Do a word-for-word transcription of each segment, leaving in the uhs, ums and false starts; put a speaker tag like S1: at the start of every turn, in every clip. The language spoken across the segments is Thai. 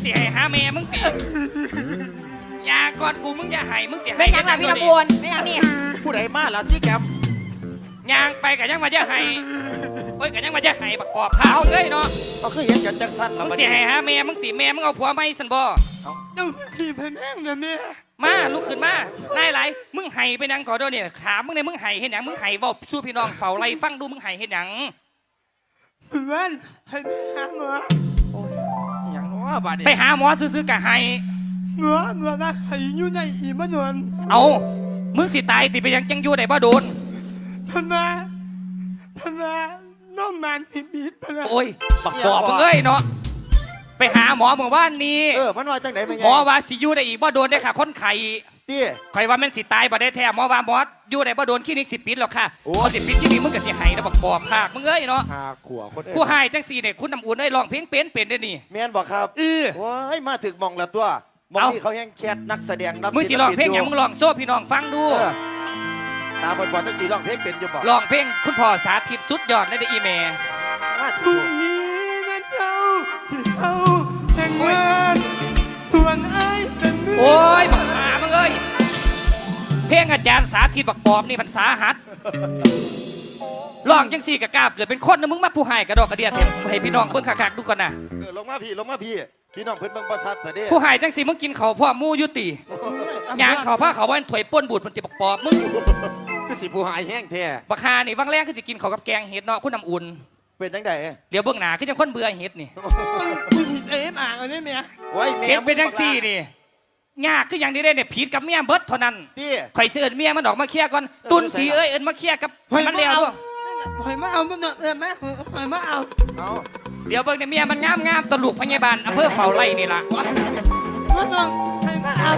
S1: สิให้หาแม่มึงสิยาก่อนกูมึงอย่าให้มึงสิให้
S2: ไม่ยังล่ะพี่ลำบวนไม่ยังนี่
S3: ผู้ใดมาล่ะซี่แกม
S1: ยางไปกับยังมาจะให้โอ้ยกับยังมาจะให้บักปอบพาเอ้ยเนาะ
S3: ก็คือเห็นกันจังสั้น
S1: มึ
S3: แล้ว
S1: ง
S3: บัด
S1: สิ
S3: นี้
S1: ให้หาแม่มึงติแม่มึงเอาผัวไม่สันบ่
S4: เจ้าพี่พแม่งนะแม่
S1: มาลุกขึ้นมานายไหลมึงให้ไปนังก่อนด้วยเนี่ยถามมึงเนี่ยมึงให้เห็นหยังมึงให้บอกสู้พี่น้องเฝ้าไรฟังดูมึงให้เห็นหยัง
S4: เพื่อนให้แม่หาหมอ
S3: อย่างน้อบัดนี้
S1: ไปหาหมอซื้อๆกะให้
S4: หมอหมอนะให้อยู่ในอีมะนวน
S1: เอามึงสิตายติไปยังจังอยู่ได้บ่โดน
S4: พนาพนาน้องมันผิดบีดพนา
S1: โอ้ยบักปอบมึงเอ้ยเนาะไปหาหมอเมื่อวานนี้
S3: เออมันว่าจังไหนเป็นไง
S1: หมอว่าสิอยู่ได้อีกบ่โดนได้ค่ะคนไข้
S3: ตี้
S1: ข่อยว่าแม่นสิตายบ่ได้แท้หมอว่าหมออยู่ได้บ่โดนคลินิกสิปิดหรอกค่ะ
S3: โอ้
S1: เขาสิปิดคลินิกมึงก็สิให้แล้วบักปอบภาคมึงเอ้ยเนาะ
S3: หาขัวคนเอ้ย
S1: ผู้ให้จังสี่เนี่ยคุณน้ำอุ่นเอ้ยร้องเพลงเป็นเป็นได้นี่
S3: แม่นบอกครับ
S1: เออ
S3: ว้ายมาถึงมองละตัวมอง
S1: เอ้า
S3: ที่เขาแห้งแคทนักแสดงรับ
S1: มึงสิร้องเพลงหยังมึงร้องโซ่พี่น้องฟังดู
S3: เออตาบอดบอดตั้งสีร้องเพลงเป็นอยู่บอก
S1: ร้องเพลงคุณพ่อสาธิตสุดยอดเลยเด้ออีแม่
S3: มา
S4: พ
S3: ถึ
S4: รุ่
S3: ง
S4: งนี้นะเจ้าที่เขาแต่งงานส่วนไอ้เป็นเมื่
S1: โอ้ยบักหามึงเอ้ยเพลงอาจารย์สาธิตบักปอบนี่มันสาหัสร้องจังสี่กะกราบเกิดเป็นคนนะมึงมาผู้ให้กระดอกกระเดียดเถอะให้พี่น้องเบิ่งคักๆดูก่อนนะ
S3: เออลงมาพี่ลงมาพี่พี่น้องเพิ่นเบิ่งประสัทซะเด้
S1: ผู้ให้จังสี่มึงกินเขาวพ่อหมูอยุติยางเขาวผ้าเขาวว่าถวยป้นบูดมันติบักปอบมึง
S3: คือสิผู้หายแห้งแท้
S1: บักฮานี่วังแรกคือจะกินเขาวกับแกงเห็ดเนาะคุณน้ำอุ่น
S3: เป็นจังได
S1: เดี๋ยวเบื้องหน้าคือจังคนเบื่อเห็ดนี่
S4: มึงผิดเอ็มอ่างอันนี้เมีย
S3: โอ้ยแม่
S1: เห็ดเป็นจังสี่นี่ยากคืออย่างนี้ได้เนี่ยผิดกับเมียเบิดเท่านั้น
S3: ตี้
S1: ข่อยสิเอิ้นเมียมันออกมาเคลียร์ก่อนตุนสีเอ้ยเอิ้นมาเคลียร์กับมันแล้วด้วย
S4: หอยมาเอามันเออแม่หอยมาเอา
S3: เอา
S1: เดี๋ยวเบิ่งเนี่ยเมียมันงามงามๆตะลุกพยาบาลอำเภอเฝ้าไร่นี่ล่ะ
S4: มาต้องหอยมาเอา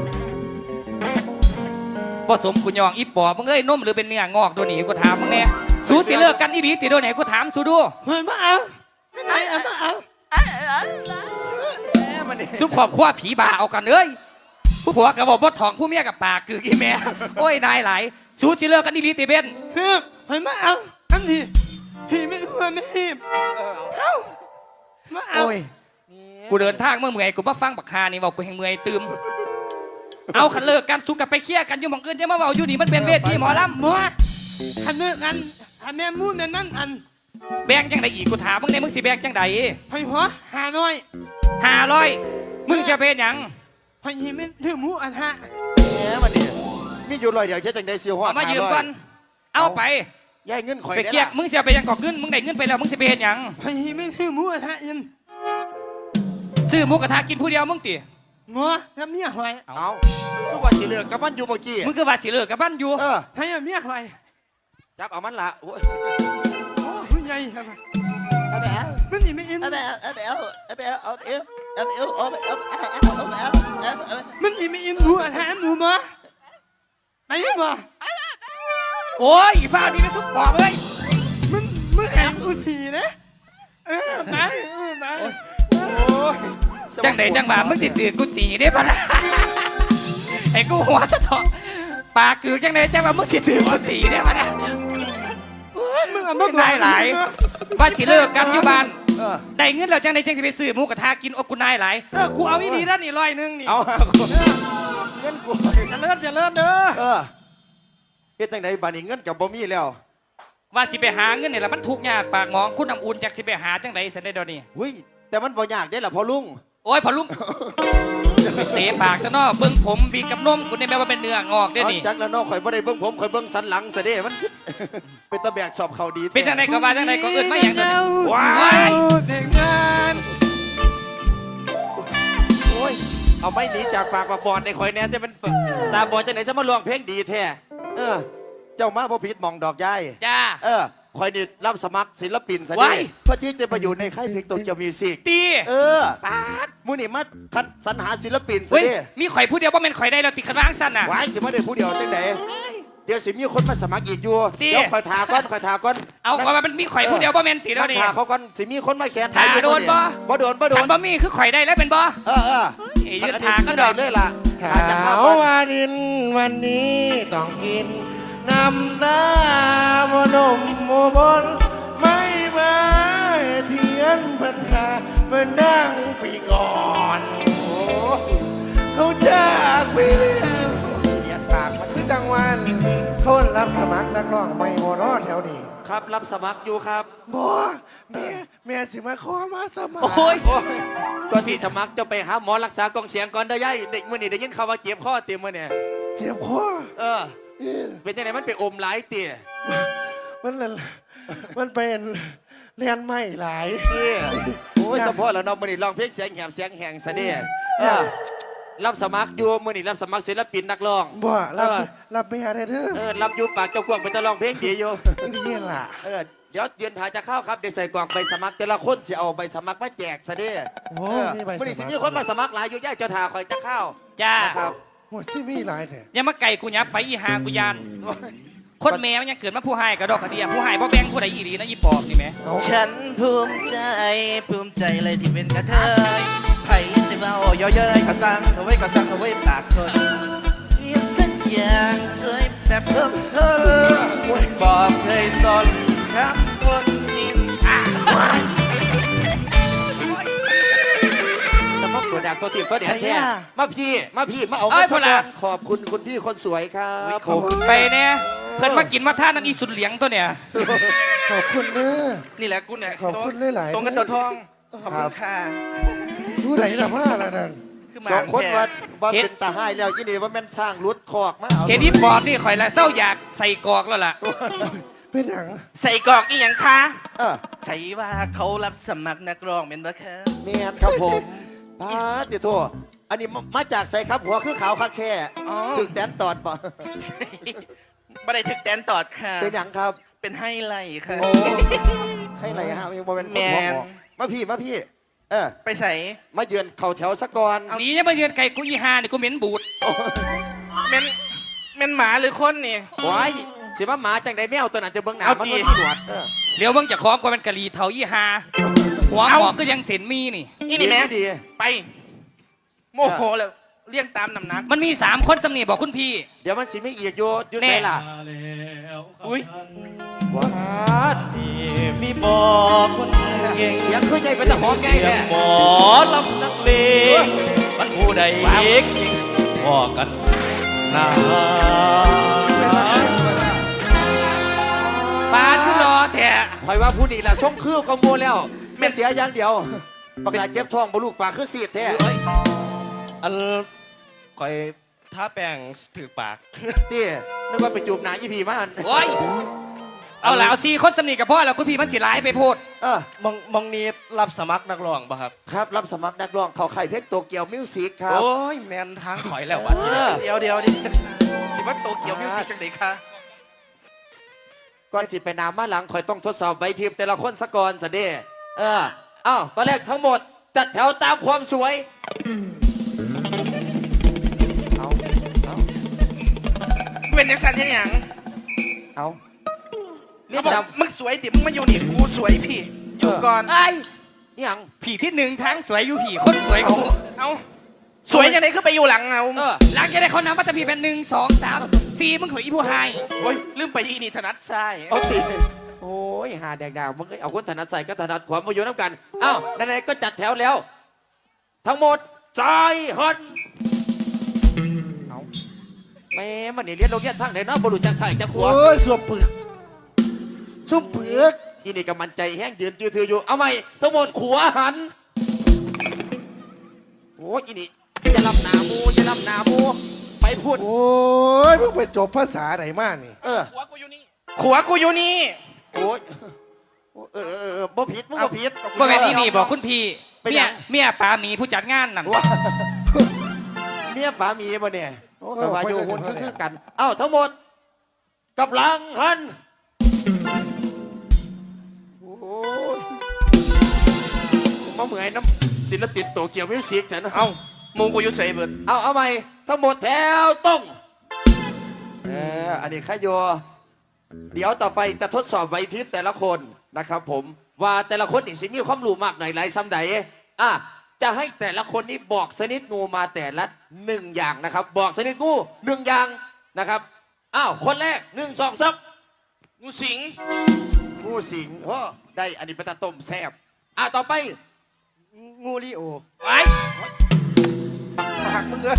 S1: ผสมกุยองอีปอบมึงเอ้ยนมหรือเป็นเนื้องอกตัวนี้กูถามมึงแน่สู้สิเลิกกันอีหลีติโดนไหนกูถามสู้ดู
S4: หอยมาเอาไหนเอามาเอา
S3: แม่มันนี่
S1: ซุปขอบคว้าผีบาเอากันเอ้ยผู้ผัวกับบอกบดทองผู้เมียกับปากคืออีแม่โอ้ยนายหลายสู้สิเลิกกันอีหลีติเบน
S4: เฮ้ยหอยมาเอาอันนี้หีไม่หัวไม่หีบเข้ามาเอา
S1: โอ้ยกูเดินทางเมื่อเมื่อยกูมาฟังบักฮานี่บอกกูแห่งเมื่อยตืมเอาขันเลิกกันสู้กันไปเคลียร์กันอยู่หมองอื่นจะมาเว้าอยู่นี่มันเป็นเวทีหมอลำ
S4: หมอหันเนื้อกันหันแม่มูนนั่นอัน
S1: แบ่งจังใดอีกกูถามมึงในมึงสิแบ่งจังใด
S4: หอยหัวหาหน่อย
S1: ห้าร้อยมึงจะเป็นหยัง
S4: หอยหีไม่ถือมูอันฮะ
S3: แม่มันนี่มีอยู่ร้อยเดียวแค่จังได๋สิฮอด
S1: เอามายืมก่อนเอาไป
S3: ยายเงินข่อย
S1: ไป
S3: ได้
S1: เกลียก
S3: ล่ะ
S1: มึงเสียไปยังกอกเงินมึงได้เงินไปแล้วมึงสิไปเฮ็ดหยัง
S4: หอยหีไม่ถือมูอันฮะยัน
S1: ซื้อหมูกระทะกินผู้เดียวมึงติ
S4: หมอน้ำเมียหอย
S3: เอาคือว่าสิเลิกกับมันอยู่เมื่อกี้
S1: มึงคือว่าสิเลิกกับบ้านอยู่
S3: เออ
S4: ให้เมียหอย
S3: จับเอามันละโอ้ย
S4: โอ้ผู้ใหญ่ครับ
S3: เอาไปเอา
S4: มันนี่ไม่อิน
S3: เอาไปเอาเอาไปเอาเอาไปเอาเอาไปเอาเอาไปเอาเอาไปเอาเอาไปเอา
S4: มันนี่ไม่อินหนูอันฮะหนูมาไปมา
S1: โอ้ยอีฟ้านี่นะทุกปอบเอ้ย
S4: มันมันแหงอุทีนะเออไปเออไป
S1: จังไดจังบ่ามึงติดตื่นกูตีได้ปะนะไอ้กูหัวจะเถาะปากคือจังไดจังว่ามึงติดตื่นกูตีได้ปะนะ
S4: โอ้ยมึงอ่ะมาบอก
S1: นายหลายว่าสิเลิกกันอยู่บ้าน
S3: เออ
S1: ได้เงินแล้วจังไดจังสิไปซื้อหมูกระทะกินโอ้กูนายหลาย
S4: เออกูเอาอีนี่ด้านนี่ร้อยหนึ่งนี่
S3: เอาเงินกู
S4: จะเลิศจะเลิศเด้อ
S3: เออเฮ็ดจังไดบัดนี้เงินกับบ่มีแล้ว
S1: ว่าสิไปหาเงินนี่แหละมันทุกข์ยากปากหมองคุณน้ำอุ่นจากสิไปหาจังไดสันได้ดอกนี่
S3: หุ้ยแต่มันบ่ยากได้ล่ะพ่อลุง
S1: โอ้ยพอลุงเตะปากซะเนาะเบิ่งผมวีกับนมคุณนี่แม่ว่าเป็นเนื้องอกเด้อนี่
S3: จักแล้วเนาะข่อยบ่ได้เบิ่งผมข่อยเบิ่งสันหลังซะเด้มัน เป็นตะแบกสอบเขาดี
S1: เป็นจังไดก็ว่าจังไดก็เอิ้นมาหยังตัวนี้
S3: ว้า
S1: ว้าย
S4: เด็กงาน
S3: โอ้ยเอาไม่หนีจากปากปากบอดในข่อยแน่จะเป็นตาบอดจังไหนจะมาร้องเพลงดีแท้เออ เจ้ามาบ่ผิดหมองดอกยาย
S1: จ้า
S3: เออคอยนี่รับสมัครศิลปินซะ
S1: ว้า
S3: ดิ
S1: ย
S3: เพื่อที่จะไปอยู่ในค่ายเพลงโตเกียวมิวสิก
S1: ตี
S3: เออ
S1: ปาด
S3: มูนี่มาคัดสรรหาศิลปินซะ
S1: เฮ้ย
S3: ดิ
S1: มีข่อยผู้เดียวบ่แม่นข่อยได้แล้วติดกระร้างสั้นน่ะ
S3: วายสิมาได้ผู้เดียวจังไหนเดี๋ยวสิมีคนมาสมัครอีกอยู่
S1: ติ
S3: เดี๋ยวคอยถาก่อนคอยถาก่อน
S1: เอาข่อยว่ามันมีข่อยผู้เดียวบ่แม่นติแล้วนี่
S3: ถาเขาก่อนสิมีคนมาแขน
S1: ถาโดนบ่
S3: บ่โดนบ่โด
S1: คั
S3: น
S1: นบ่มีคือข่อยได้แล้วเป็นบ่
S3: เออเออ
S1: เอ้ยยืนถาก็ดอก
S3: เลยล่ะ
S5: ขา
S3: ถาจากภาพ
S5: ว
S3: ก่อน
S5: วารินวันนี้ต้องกินน้ำตาบนมโมบนไม่มาเทียนพรรษาเป็นดังปีก่อนนักร้องไม่โมรอแถวนี้
S3: ครับรับสมัครอยู่ครับ
S5: บ่แม่แม่สิมาขอมาสมัคร
S1: โอ้ย
S3: โอ้ยก่อนที่สมัครจะไปหาหมอรักษากองเสียงก่อนเด้อย่ายเด็กมื้อนี้ได้ยินข่าวว่าเจ็บคอเต็มมื้อเนี่ย
S5: เจ็บคอ
S3: เออ เป็นจังไดมันไปอมหลายเตี่ย
S5: มันละมันเป็นเรียนไม่หลาย
S3: นี่โอ้ยสะโพกแล้วเนาะมื้อนี้ร้องเพลงเสียงแหบเสียงแหงซะเด้เออรับสมัครอยู่มื้อนี้รับสมัครศิลปินนักร้อง
S5: บ่รับ
S3: เออ
S5: รับไม่หาได้เด้อ
S3: เออรับอยู่ปากเจ้ากวางไปตะร้องเพลงดีอยู่
S5: นี่เรียนล่ะ
S3: เออเดี๋ยวยืนถ่ายจะเข้าครับเดี๋ยวใส่กล่องใบสมัครแต่ละคนจะเอาใบสมัครมาแจกซะเด้
S5: โอ้
S3: เออ
S5: มีใบสมัคร
S3: มื้อนี้สิมีคนมาสมัครหลายอยู่ย่ายเจ้าทาคอยจะเข้า
S1: จ้า
S3: นะครับ
S5: โอ้ยที่มีหลายแท้
S1: อย่ามาไก่กูยับไปอีหากูยานคนแม่มันยังเกิดมาผู้ให้กระดอกกระเดียผู้ให้บ่แบ่งผู้ใดอีหลีนะอีปอบนี่แหม
S5: เอา
S4: ฉันภูมิใจภูมิใจเลยที่เป็นกระเทยไผ่สิเมาย่อเย้ยก็สั่งเอาไว้ก็สั่งเอาไว้ปากคนเรียนสักอย่างสวยแบบเพิ่มเพิ่มบอกเคยสนครับคนนี้อ่ะ
S3: สมัครตัวดักตัวตีบตัวแดด
S4: ใช่
S3: แท้
S4: อะ
S3: มาพี่มาพี่มาเอา
S1: เอ้
S3: มาย สั
S1: พ
S3: ก
S1: อละ
S3: วันขอบคุณคุณพี่คนสวยครับผม
S1: ไปเนี่ยเพิ่นมากินมาท่านั้นอีสุดเหลียงตัวเนี่ย
S5: ขอบคุณเด้อ
S4: นี่แหละกูเนี่ย
S5: ขอบคุณหลายๆ
S4: ตรงกันตัวทองขอบคุณค่ะ
S5: ผู้ใดล่ะมาล่ะนั่น
S4: คือหมา
S3: สองคน
S4: แท้
S3: ว่าว่าเป็นตาให้แล้วยี่นี่ว่าแม่นสร้างรุดคอกมาเอา
S1: เห็นอีปอบนี่ข่อยละเศร้าอยากใส่กอกแล้วล่ะ
S5: เป็นหยัง
S4: ใส่กรอกอีหยังคะ
S3: เออ
S4: ใช่ว่าเขารับสมัครนักร้องเป็นบ่คะ
S3: เมียนครับผมป้าติโทอันนี้มามาจากใส่ครับหัวคือขาวคักแค่ถึงแดนตอดปะ
S4: บ่ได้ถึกแตนตอดค่ะ
S3: เป็นหยังครับ
S4: เป็นไฮไลท์ค่ะ
S3: โอ้ให้ไรฮะยังบ่เป็นคนหัว
S4: แมน
S3: หมอมาพี่มาพี่ เออ
S4: ไปใส่
S3: มาเยือนเข่าแถวสะก่อน
S1: หนีอย่ามาเยือนไก่กูอีหานี่กูเหม็นบูด
S4: เป็นเป็นหมาหรือคนนี่
S3: โอ้ยสิว่าหมาจังไดแมวตัวนั้นจะเบิ่งหน้า
S4: เอา
S3: มัน
S4: ดี
S3: บ่มีหนวดเออ
S1: เดี๋ยวเบิ่งจะคล้องกว่าเป็นกะหรี่เถาอีหาหัวหมอกก็ยังเส้นมีนี่
S4: นี่นี่แม่
S3: ดี
S4: ไป โมโหแล้วเลี้ยงตามน้ำหนัก
S1: มันมีสามคนสำเนียบอกคุณพี่
S3: เดี๋ยวมันสิไม่เอียดโยอยู่
S1: แน่
S3: ใส่ล่ะ
S4: อุ้ย
S3: ว้าด
S2: มีบอกคนเก่ง
S3: เสียงคือใหญ่เป็นตะหอมใหญ่
S2: เสีย
S3: แท้
S2: งหมอลำนักเลงมันผู้ใดเอกพอกันนา
S1: ปานผู้รอแท้
S3: คอยว่าผู้นี้ล่ะส่งคือก็โมแล้วไม่เสียอย่างเดียวปากกาเจ็บท้องบ่ลูกปากคือสีดแท้
S2: อันคอยท้าแป้งถือปาก
S3: ตีนึกว่าไปจูบหนายี่พีมาอัน
S1: โอ้ยเอาล่ะเอาสี่คนสำเนียกับพ่อแล้วคุณพี่มันสิร้ายไปโพด
S3: เออ
S2: มองมองนี้รับสมัครนักร้องป่ะครับ
S3: ครับรับสมัครนักร้องเขาไข่เพลงโตเกียวมิวสิกครับ
S2: โอ้ยแมนทางถอยแล้ววะ
S3: เออ
S4: เดี๋ยวเดี๋ยวดิคิดว่าโตเกียวมิวสิกจังไดคะ
S3: ก่อนสิไปนามาหลังคอยต้องทดสอบใบพิมพ์แต่ละคนสะก่อนจะเด้เอออ้าวตอนแรกทั้งหมดจัดแถวตามความสวยเอาเอา
S4: เป็นยังสันเห็นหยัง
S3: เอาเรีย
S4: เขา
S3: ก
S4: บอก
S3: จำ
S4: มึงสวยติมึงมาอยู่นี่กูสวยพี่ อยู่ก่อน
S1: ไอ้
S3: นี่ยัง
S1: ผีที่หนึ่งทั้งสวยอยู่ผีคนสวยกู
S4: เอาสวยยังไงคือไปอยู่หลังเอา
S3: เออ
S1: หลังจากได้เขานำมัตตพีเป็นหนึ่งสองสามสี่มึงขอยอีผู้ให้
S4: โอ้ยลืมไปอีนี่ธนัดใช่
S3: เอาตีโอ้ยหาแดกดาวมึงก็เอาคนถนัดใส่ก็ถนัดขวามาอยู่น้ำกันอ้าวไหนๆก็จัดแถวแล้ว ทั้งหมดสายหันเอาแม่มันนี่เรียนโรงเรียนทางไหนเนาะบรุษจะใส่จะขวา
S5: โอ้ยสวมปึกสวมเปลือก
S3: อีนี่ก็มันใจแห้งยืนจือถืออยู่ เอาไหมทั้งหมดขวาหัน โอ้ยอีนี่จะลำหนามูจะลำหนามูไปพูด
S5: โอ้ยมึงไปจบภาษาไหนมานี่
S3: เออ
S4: ขัวกูอยู่นี่ขัวกูอยู่นี่
S3: โอ้ยเออเออเออบ่ผิดมึงบ่ผิด
S1: บ่แม่นอีนี่บอกคุณพี่
S3: ไปไหน
S1: เมียเมียปลาหมีผู้จัดงานนั่น
S3: ว่าเมียป๋ามีบ่เนี่ยโอ้สบายอยู่หุ่นคือคือกัน เอ้าทั้งหมดกับหลังหันโอ้ยมาเหมือนน้ำศิลปินโตเกียวมิวสิกฉัน
S4: เอาหมูกูอยู่ใส่เบิด
S3: เอาเอาใหม่ทั้งหมดแถวตรงเอออันนี้ข้าโยเดี๋ยวต่อไปจะทดสอบไหวพริบแต่ละคนนะครับผมว่าแต่ละคนนี่สิมีความรู้มากหน่อยไรซ้ำใดอ่ะจะให้แต่ละคนนี้บอกชนิดงูมาแต่ละหนึ่งอย่างนะครับ บอกชนิดงูหนึ่งอย่างนะครับอ้าวคนแรกหนึ่งสองซับ
S4: งูสิง
S3: งูสิงโอ้ได้อันนี้เป็นตาต้มแซ่บอ่ะต่อไป
S2: งูริโอ
S1: ไอ้
S3: ปากมึงเลย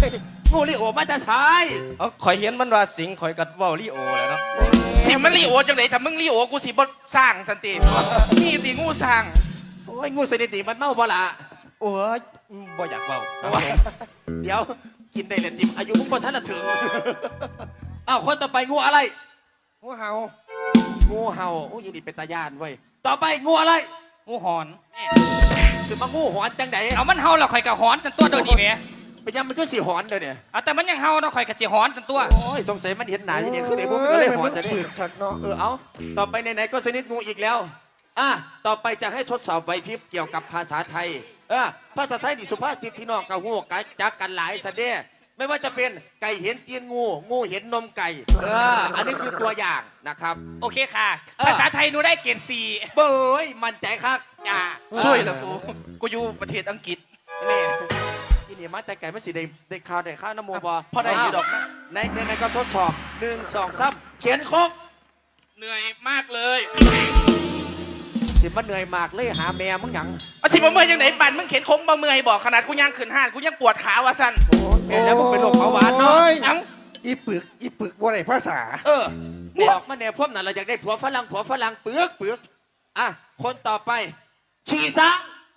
S3: งูลิโอมาจะใช้
S2: เอาข่อยเห็นมันว่าสิงข่อยกัดเว้าลิโอแล้วเนาะ
S4: สิมันลีโอจังไหนถ้ามึงลีโอกูสิบ่สร้างสันตินี่ตีงูสร้าง
S3: โอ้ยงูสนิติมันเมาบ่ละ
S2: โอ้ยบ่อยากเว้า
S3: เดี๋ยวกินได้เลยติมอายุมึงบ่ทันละถึง อ้าวคนต่อไปงูอะไร
S5: งูเห่า
S3: งูเห่าโอ้ยยินดีเป็นตาญาณเว้ยต่อไปงูอะไร
S1: งูหอน
S3: คือมางูหอนจังได
S1: เอามันเฮาแล้วข่อยก็หอนจนตัวโดนดีแหม
S3: เป็นยังมันก็สีหอนเด้อเนี่ย
S1: เอาแต่มันยังเฮาเนาะข่อยก็สิหอนจนตัว
S3: โอ้ยสงสัยมันเห็นหนาอย่างนี้คือไอ้พวกมันก็เลยหอนแต่
S5: เอ้
S3: นี่
S5: ยมันขัดเนาะ
S3: เออเอาต่อไปไหนๆก็สนิทงูอีกแล้วอ่ะต่อไปจะให้ทดสอบไหวพริบเกี่ยวกับภาษาไทยเออภาษาไทยนี่สุภาษิตพี่น้องกับหูกัจักกันหลายสะเด้ไม่ว่าจะเป็นไก่เห็นตีนงูงูเห็นนมไก่เอออันนี้คือตัวอย่างนะครับ
S1: โอเคค่ะ
S3: เออ
S1: ภาษาไทยหนูได้เกรดสี่
S3: เบ้ยมั่นใจครับ
S1: จ้า
S4: ช่วยแล้วกูกูอยู่ประเทศอังกฤษ
S3: นี่ที่นี่มาแต่ไก่ไม่สิได้ได้ข่าวได้ข้าวน้ำมูบอ
S4: พอได้อยู่ดอกนะ
S3: ในในในก็ทดสอบหนึ่งสองสามเขียนโคก
S4: เหนื่อยมากเลย
S3: สิมันเหนื่อยมากเลยหาแม่มึงหยัง
S4: เอาสิบ่เมื่อยจังไหนปั่นมึงเข็นคมบ่เมื่อยบอกขนาดกูย่างขึ้นห้านกูยังปวดขาว่ะสัน
S3: แม่แล้วมึงเป็นโรคเบาหวานเนาะ
S5: โอ้ย
S4: เอ้า
S5: อีปึกอีปึกว่าไรภาษา
S3: เออบอกมาเนี่ยพวกนั้นเราอยากได้ผัวฝรั่งผัวฝรั่งเปลือกเปลือกอ่ะคนต่อไปขี่ซ้าง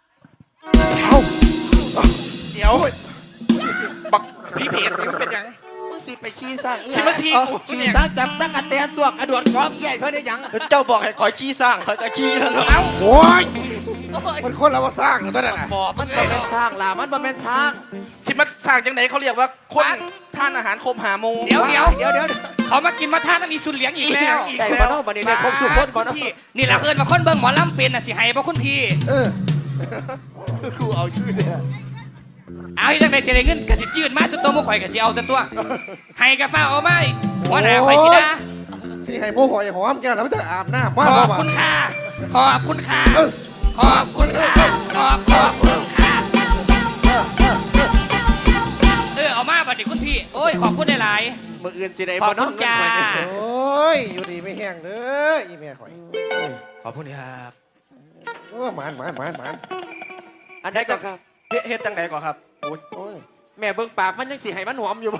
S4: เดี๋ยวบักพี่เพจนี่มันเป็นยัง
S3: มึงสิไปขี่ซ้าง
S4: สิมาชี้กู
S3: ขี่ซ้างจับตั้งกระแตนตัวกระโดดกองใหญ่เพื่อได้หยัง
S2: เจ้าบอกให้ข่อยขี้สร้างข่อยก็ขี้แล้วเนาะ
S4: เอ้า
S5: โอ้ยมันคนเราว่าสร้างอยู่ตัวนั้นน่ะ
S1: บอกมั
S3: มัน น
S1: เล
S3: บ่
S1: ย
S3: เป็นช้างล่ะมันบ่เป็นช้าง
S4: สิมาสร้างจังไหนเขาเรียกว่าคนท่านอาหารคมหาโมง
S1: เดี๋ยวเดี๋ยว
S3: เดี๋ยวเดี๋ยว
S1: เขามากินมาทานต้องมีสุนเหลียงอีกแล้ว
S4: อีก
S3: ไก่
S4: แล้
S3: บ่
S4: ว
S3: เนาะบัดนี้ได้ครบสุขคนบ่เนาะ
S1: พี่นี่แหละเอิญมาคนเบิ่งหมอลำเป็นน่ะสิให้บ่คุณพี่
S5: เออ
S3: ครูเอาชื่อเนี่ย
S1: เอาที่จังได๋จะได้เงินก็สิยืนมาจนตัวบ่ข่อยก็สิเอาจนตัวให้กะฟ้าเอามาหัวหน้าข่อยสิด่า
S5: สิให้โมหอยหอมแก้วแล้วมันจะอาบน้ำมา
S1: ข
S5: บ่
S1: อบ
S5: บ่า
S1: คุณค่ะขอบคุณค่ะขอบคุณค่ะขอบขอบคุณค่ะเออเอามาบัดนี้คุณพี่โอ้ยขอบคุณหลาย
S3: มืออื่นสิได้
S1: ขอ
S3: บ่
S1: บ
S3: เนาะ
S1: คุณ
S3: เงิน
S1: จ้า
S3: ข่อยเนี่ย
S5: โอ้ยอยู่ดีไม่แห้งเด้ออีแม่ข่อย
S2: ขอบคุณครับ
S5: โอ้หมานหมานหมานหมาน
S3: อันใดก็ครับ
S2: เฮ็ดเฮ็ดจังไดก่อนครับโอ้ย
S3: โอ้ยแม่เบิ่งปากมันยังสิให้มันหอมอยู่บ่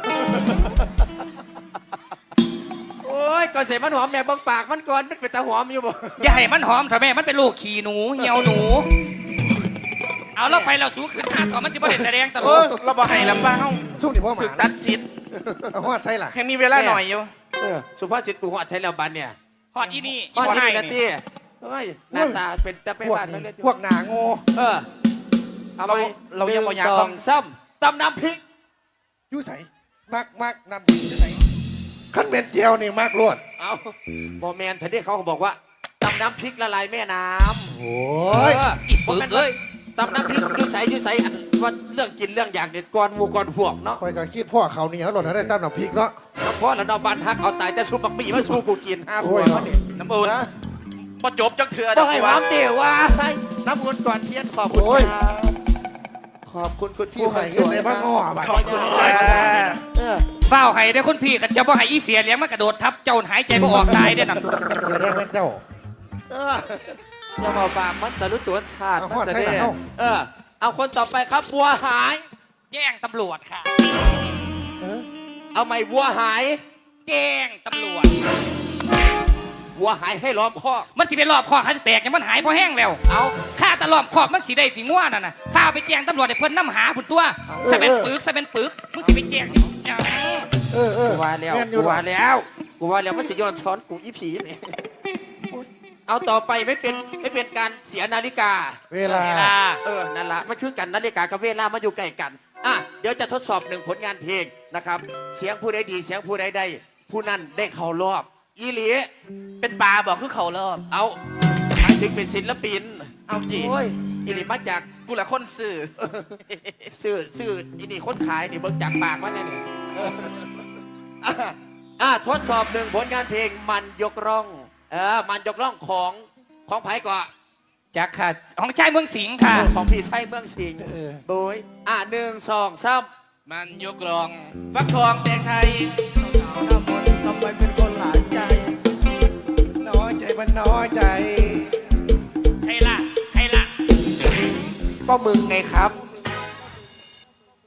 S3: โอ้ยก่อนเสมันหอมแม่เบิ่งปากมันก่อนมันเป็นตาหอมอยู่บ่
S1: ๆอย่าให้มันหอมเถอะแม่มันเป็นลูกขี้หนูเหี่ยวหนู เอาเราไปเราสูงขึ้นห้าต่อมันจะไม่ได้แสดงตล
S5: โอ้
S1: ก
S5: ย
S4: เราบอกให้ละเป้า
S5: ช่วงนี้พ่อห
S4: ถึ
S5: มาก น
S4: ตัดสิทธิ์
S5: เอาหัวใช่ล่ะ
S4: ยังมีเวลาหน่อยอยู่
S3: เออสุภาษิตกูหอดใช้แล้วบันเนี่ย
S1: ฮอดอีนี่
S3: หอด
S1: บ่
S3: ที่
S1: ให้
S3: นี่ละ
S1: นี่
S3: ตี้เฮ้ยหน้าตาเป็นตะไป
S5: พวก
S3: บ้าน
S5: นี้
S3: มาเล่นอยู่
S5: พวกหนาโง่
S3: เออเอาไป
S4: เรายังบ่อยาก
S3: หนึ่งส
S4: ต้
S3: อ
S4: อง
S3: งซ้ำตำน้ำพริก
S5: ยู่ใส่มักมักนำดีใส่ขั้นเป็นเจียวนี่มากรวด
S3: เอาบอแมนฉันได้เขาบอกว่าตำน้ำพริกละลายแม่น้ำ
S5: โอ้
S3: เอย อ
S1: อีปึกเอ้ย
S3: ตำน้ำพริกอยูใสอยูใสอันว่าเรื่องกินเรื่องอยากเด็ดก่อนหมูก่อนพวกเนาะ
S5: คอยก็คิดพ่อเขานี่เขาหล่นให้ได้ตั้มน้ำพริกเนาะ
S3: แล้วพ่อแล้วนอบันฮักเอาตายแต่สูบบักบี้มาสู้กูกินห้าข
S5: โอ้
S3: วย ด
S5: เนาะ
S3: วะเนี่ย
S4: น้ำอุ่น
S3: นะ
S4: พอจบจังเถื่อ
S3: ต้
S4: เดี๋
S3: อย ง
S4: ว
S3: ให้
S4: กู
S3: ห
S4: ว่า
S3: อมเตี๋ยวว่าน้ำอุ่นก่อนเทียนขอบคุณครับขอบคุณคุณพี่
S5: ผู้
S3: ค
S5: ให้
S3: นส
S5: เงิน
S3: วย
S5: ในบ้านง้อบัด
S4: ขอบคุณค่ะ
S3: เออ
S1: เฝ้าให้ได้อคุณพี่ก็จะบ่ให้อีเสียเลี้ยงมากระโดดทับเจ้าหายใจบ่ออกตายได้อนั่น
S5: เสียแรงเป็นเจ้า
S3: เอออย่ามาปากมันแต่รู้ตัวชาติ
S5: เอา
S3: มัน
S5: ขอด
S3: จะ
S5: ใช่
S3: ได้
S5: เหรอ
S3: เออ เอาคนต่อไปครับบัวหาย
S1: แจ้งตำรวจค่ะ
S5: เออ
S3: เอาใหม่บัวหาย
S1: แจ้งตำรวจ
S3: บัวหายให้ล้อมคอก
S1: มันสิเป็นรอบคอขาจะแตกยังมันหายพอแห้งแล้ว
S3: เอา
S1: ข้าแตลอดขอบมันสิได้ติง่วนั่นน่ะฝ้าไปแจ้งตำรวจให้เพิ่นนำหาผุนตัวสะเป็นปึกสะเป็นปึกมึงสิไปแจ้งที่หยัง
S5: เออเออ
S3: กูว่าแล้ว
S5: ม่นอยู่
S3: กู
S5: ดอก
S3: ว่าแล้วกูว่าแล้วมันสิย้อนช้อนกูอีผีนี่โอ๊ยเอาต่อไปไม่เป็นไม่เป็นการเสียนาฬิกา
S5: เวลา
S1: เวลา
S3: เออ นั่นละมันคือกันนาฬิกากับเวลามาอยู่ใกล้กัน อ่ะ เดี๋ยวจะทดสอบหนึ่งผลงานเพลงนะครับ เสียงผู้ใดดีเสียงผู้ใดได้ผู้นั้นได้เข้ารอบ อีหลี
S4: เป็นปลาบอกคือเขารอบ
S3: เอาหมายถึงเป็นศิลปิน
S4: เอาจี
S3: โอ้ย อีหลีมาจาก
S4: กูละคนสื่อ
S3: ซื้อซื้ออีนี่คนขายนี่เบิ่งจากปากมันเนี่ยนี่อ่ะอ่ะทดสอบหนึ่งผลงานเพลงมันยกร่อง เออ มันยกร่องของของไผ่ก่อน
S1: จักค่ะของชายเมืองสิงห์ค่ะ
S3: เออของพี่ไส้เมืองสิงห์
S5: เออ
S3: โดยอ่ะหนึ่งสองสาม
S4: มันยกรอง ฟักทองแดงไทย
S5: ทำไมเป็นคนหลายใจ น้อยใจมันน้อยใจ
S1: ใครล่ะใครล่ะ
S3: ก็มึงไงครับ
S1: โ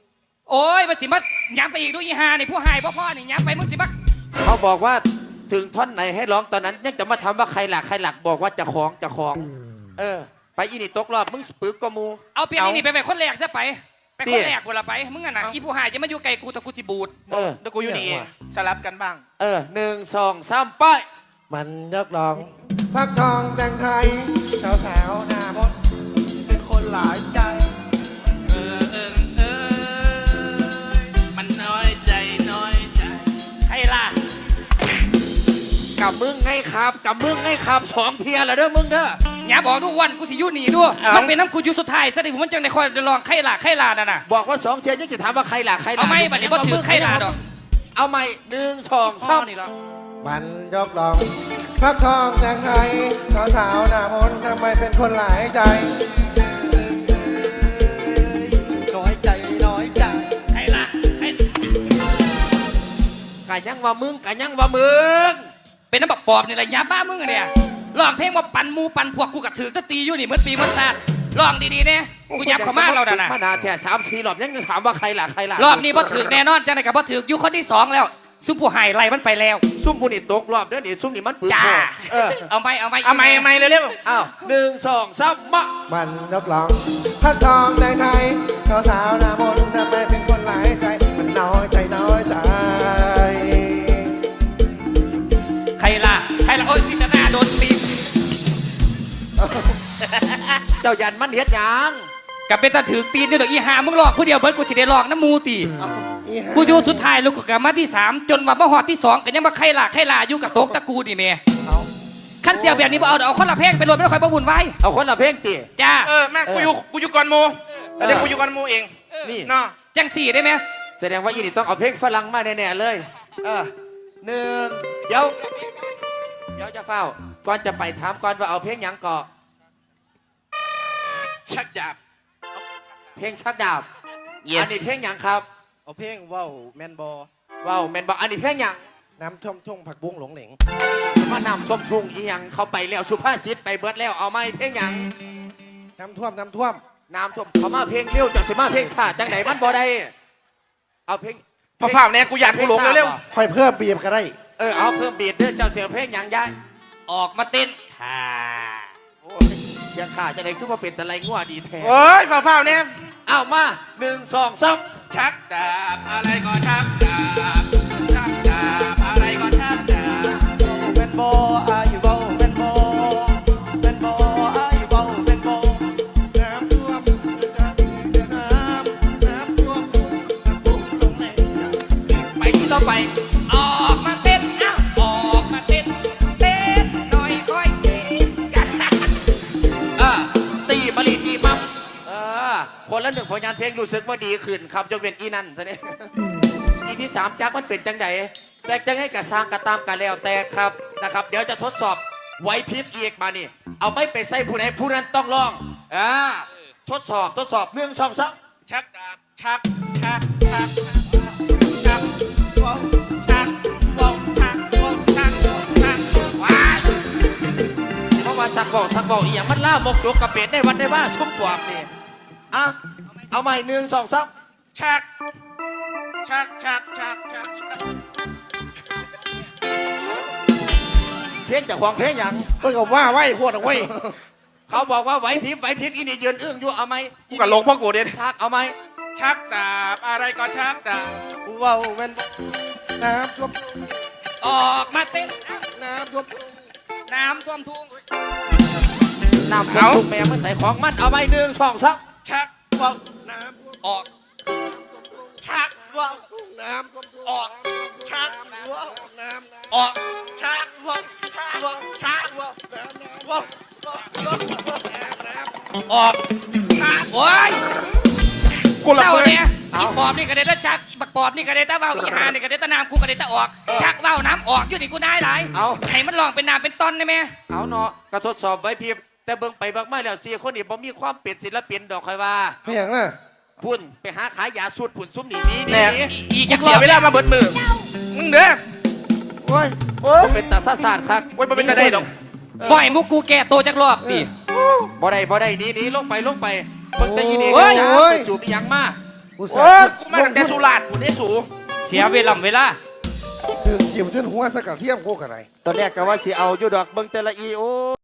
S1: โอ้ยมันสิมาย้ำไปอีกดูอีหานี่ผู้หายพ่อพ่อนี่ย้ำไปมึงสิมา
S3: เขาบอกว่าถึงท่อนไหนให้ร้องตอนนั้นยังจะมาทำว่าใครหลักใครหลักบอกว่าจะคล้องจะคล้อง เออ ไปอีนี่ตกรอบมึงปึกกว่าหมู
S1: เอาเปลี่ยนอีนี่ไปเป็นคนแรกซะไปไป
S3: เตี้
S1: คน
S3: ย
S1: แรกกูละไปมึงอ่ะนะอีผู้หายจะมาอยู่ไกลกูแต่กูสิบูด
S3: เออ
S4: เดี๋ยวกูอยู่นี่สลับกันบ้าง
S3: เออหนึ่งสองสามไป
S5: มันยกร้องฟักทองแต่งไทย สาวสาวๆหน้ามดเป็นคนหลายใจ
S4: เออเออเออมันน้อยใจน้อยใจ
S1: ใครล่ะ
S3: กับมึงให้ครับกับมึงให้ครับสองเทียร์แล้วเด้อมึงเด้อ
S1: อย่าบอกดูวันกูสิอยู่หนีด้วยมันเป็นน้ำกูอยู่สุดท้ายซะดิผมมันจังในคอยลองใครล่ะใครล่ะน่ะนะ
S3: บอกว่าสองเทียร์ยังจะถามว่าใครหลักใครหลั
S1: เอาไหมบัดนี้บ่ถือใครล่ะดอก
S3: เอาไหมหนึ่งสองสาม
S1: นี่หรอ
S5: มันยกร้องฟักทองแต่งไทย สาวสาวๆหน้ามนทำไมเป็นคนหลายใจ
S2: น้อยใจน้อยใจ
S1: ใครล่ะใคร
S3: กะยังว่ามึงกะยังว่ามึง
S1: เป็นน้ำบักปอบนี่แหละยาบ้ามึงอะเนี่ยลองเพลงว่าปั่นหมูปั่นพวกกูกับถือตะตีอยู่นี่เหมือนปีเหมือนซาดลองดีๆเนี่ยกูยับเขามาเราด่ะนะ
S3: มานาแท้สามสี่รอบยังจะถามว่าใครหลักใครหลัก
S1: รอบนี้บ่ถือแน่นอนจังไหนกับบ่ถืออยู่คนที่สองแล้วซุปผู้หายไล่มันไปแล้ว
S3: ซุ่มบุนี่ตกรอบเด้อนี่ซุ่มนี่มันปืน
S1: จ้า
S3: เออ
S1: เอาไหมเอาไหม
S4: เอาไม่เอาไม่เร็ว
S3: อ้าวหนึ่งสองสามมา
S5: มันยกร้องฟักทองแต่งไทย สาวสาวๆหน้ามนทำไมเป็นคนหลายใจ มันน้อยใจน้อยใจ
S1: ใครล่ะใครล่ะโอ้ยที่จะหน้าโดนตี
S3: เจ้ายันมันเฮ็ดหยัง
S1: กับเป็นตาถือตีนนี่ดอกอีหามึงหลอกผู้เดียวเบิร์ดกูสิได้หลอกน้ำมูตี
S5: อีห่า
S1: กูอยู่สุดท้ายลูกกูกลับมาที่สามจนว่ามาหอดที่สองก็ยังมาใครล่ะใครล่ะอยู่กับโต๊ะตะกูนี่เมย์ขั้นเสียวแบบนี้บ่เอาเอาคนละเพลงไปรวมไม่ต้องคอยประวุ่นไว้
S3: เอาคนละเพลงตี
S1: จ้า
S4: ๆเออแม่กูอยู่กูอยู่ก่อนหมูเดี๋ยวกูอยู่ก่อนหมูเอง
S3: นี่
S4: เนาะ
S1: จังสี่ได้ไหม
S3: แสดงว่าอีนี่ต้องเอาเพลงฝรั่งมาแน่ๆเลยเออหนึ่งเดี๋ยวเดี๋ยวจะเฝ้าก่อนจะไปถามก่อนว่าเอาเพลงหยังเกาะ
S4: ชักดาบ
S3: เพลงชักดาบ
S4: Yes
S3: อันนี้เพลงหยังครับ
S2: เอาเพลงว่าวแมนบอ
S3: ว้าวแมนบอกอันนี้เพลงหยัง
S5: น้ำท่วมทุ่งผักบุ้งหลงเหลง
S3: สมานำชมทุ่งอีหยังเขาไปแล้วสุภาษิตไปเบิดแล้วเอาไหมเพลงหยัง
S5: น้ำท่วมน้ำท่วม
S3: น้ำท่วมเขามาเพลงเร็วจากสิมาเพลงชาติจังไหนมันบ่ได้เอาเพลง
S4: พอฝ่าแน่กูอยากกูหลงเร็ว
S5: ค่อยเพิ่มบีบก็ได้
S3: เออเอาเพิ่มบีดเด้อเจ้าเสียเพลงหยังยาย
S1: ออกมาเต้นค่ะ
S3: โอ้ยเสียงขาจะไหนขึ้นมาเป็นตะไลงัวดีแท้
S4: ๆโอ้ยฝ่าฝ่าแน่
S3: เอามาหนึ่งสองสาม
S4: ชักดาบอะไรก็ชักดาบชักดาบอะไรก็ชักดาบ
S2: แมนบออายุว่าวแมนบอแมนบออายุว่าวแมนบอ
S5: น้ำท่วมจะมีแต่น้ำน้ำท่วมทุ่งผักบุ้งหลงเหลง
S3: ไปที่ต่อไป
S1: ออกมาเต้นอ้าวออกมาเต้นเต้นหน่อยค่อยเต้นกัน
S3: เออตีบริตีมัมเออคนละหนึ่งผลงานเพลงรู้สึกว่าดีขึ้นครับยกเว้นอีนั่นซะเนี่ย อีที่สามจักมันเป็นจังไดแต่จังให้กระสร้างกระตามกันแล้วแต่ครับนะครับ เดี๋ยวจะทดสอบไหวพริบอีกมานี่ เอาไม่ไปใส่ผู้ใดผู้นั้นต้องลองอ่าทดสอบทดสอบหนึ่งสองสาม
S4: ชักดาบชักชักชักชักว้าวชักว้าวชักว้าวชักชักว้าว
S3: เพราะว่าสักบอกสักบอกอีอย่างมันล่ามกยกกระเป็ดได้วันได้ว่าซุ่มปวกนี่อ่ะเอาใหม่หนึ่งสองสาม
S4: ชักชักชักชักชักชัก
S3: เพลงจากควงเพลงหยัง
S5: เพิ่งกับว่าไว้พวดเอาไว้
S3: เขาบอกว่าไหวพริบไหวพริบอีนี่ยืนอึ้งอยู่เอาไหม
S4: กูกับหลงพ่อกูเด่น
S3: ชักเอาไหม
S4: ชักดาบอะไรก็ชักดาบ
S2: ว่าวแมนบอ
S5: น้ำท่วมทุ่ง
S1: ออกมาเต้นอ้าว
S5: น้ำท่วมทุ่ง
S1: น้ำท่วมทุ่ง
S3: น้ำท่วมทุกแม่มันใส่ของมันเอาไหมหนึ่งสองสาม
S4: ชักว้าว
S5: น้ำท่วม
S1: ออก
S4: ชักว้าว
S5: ทุ่งน้ำท่วมทุ่ง
S1: ออก
S4: ชัก
S5: ว้าวน้ำน้ำ
S1: ออก
S4: ชักว้าวชักว้าวชักว้าว
S5: น้ำน้ำ
S4: ว้าว
S5: น้ำน้ำ
S1: ออกโอ้ย
S4: กูละ
S1: เศร้า
S4: เพื่อน
S1: เนี่ยอีปอบนี่ก็ได้ตะชักอีบักปอบนี่ก็ได้ตะเบ้าอีหานี่ก็ได้ตะน้ำกูก็ได้ตะออกชักเบ้าน้ำออกอยู่นี่กูได้หลาย
S3: เอา
S1: ให้มันลองเป็นน้ำเป็นต้นได้ไหม
S3: เอาเนาะก็ทดสอบไหวพริบแต่เบิ่งไปเบิ่งมาแล้วสี่คนนี่บ่มีความเป็นศิลปินดอกคอยว่า
S5: ไม่อย่างน่ะ
S3: พุ่นไปหาขายยาสูตรพุ่นซุ้มนี่นี่
S4: แน่
S3: นี่
S1: อีอีก
S4: กู
S1: จักร
S4: เสียเวลามาเบิดมือมึงเด้อ
S3: โอ้ย
S4: โอ้ย
S3: บ่เป็นตาซาซาดครับ
S4: โอ้ยมันเป็นจะได้ดอก
S1: บ่อยมุกกูแก่โตจักรอบดิ
S3: บ่ได้บ่ได้หนี่นี่ลงไปลงไปเบิ่งแต่อีนี่
S1: โอ้ย
S3: จ้าไปจูบอีหยังมา
S5: ผู้สา
S4: โอ้
S5: วย
S4: กูมาตั้งแต่สุราษฎร์กูได้สู
S1: เสียเวลาเวลา
S5: คือเกี่ยวจนหัวสกัดเทียมโคกอะไร
S3: ตอนแรกก็ว่าสิเอาอยู่ดอกเบิ่งแต่ละอีโอ